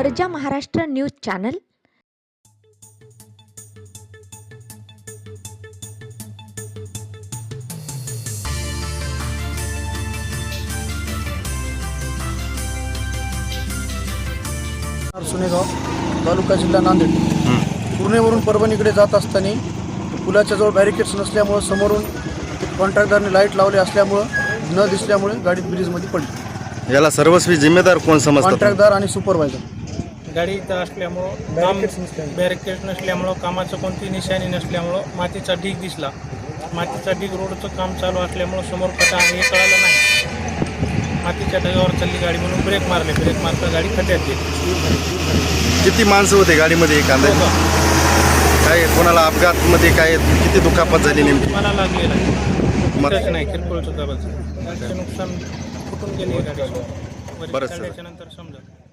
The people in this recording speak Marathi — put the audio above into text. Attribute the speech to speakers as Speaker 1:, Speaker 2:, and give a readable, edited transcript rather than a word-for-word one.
Speaker 1: गर्जा महाराष्ट्र न्यूज चॅनल.
Speaker 2: सुनेगाव तालुका जिल्हा नांदेड. पूर्णेवरून परभणीकडे जात असताना पुलाच्या जवळ बॅरिकेड्स नसल्यामुळे समोरून कॉन्ट्रॅक्टरने लाईट लावले असल्यामुळे न दिसल्यामुळे गाडी ब्रिजमध्ये पडली.
Speaker 3: याला सर्वस्वी जिम्मेदार कोण समजतात?
Speaker 2: कॉन्ट्रॅक्टदार आणि सुपरवायझर.
Speaker 4: गाडी इथं असल्यामुळं बॅरिकेड नसल्यामुळं कामाचं कोणती निशाणी नसल्यामुळं मातीचा ढीग दिसला. मातीचा ढीग रोडचं काम चालू असल्यामुळं समोर खड्डा आहे हे कळालं नाही. मातीच्या ढगावर चालली गाडी म्हणून ब्रेक मारता गाडी खड्ड्यात गेली.
Speaker 3: किती माणसं होते गाडीमध्ये? कांदा काय कोणाला अपघातमध्ये काय किती दुखापत झाली नेमकी?
Speaker 4: मला लागलेला नाही किरकोळ दुखापत. नुकसान फुटून गेली गाडी.
Speaker 3: बरं सर.
Speaker 4: नंतर समजा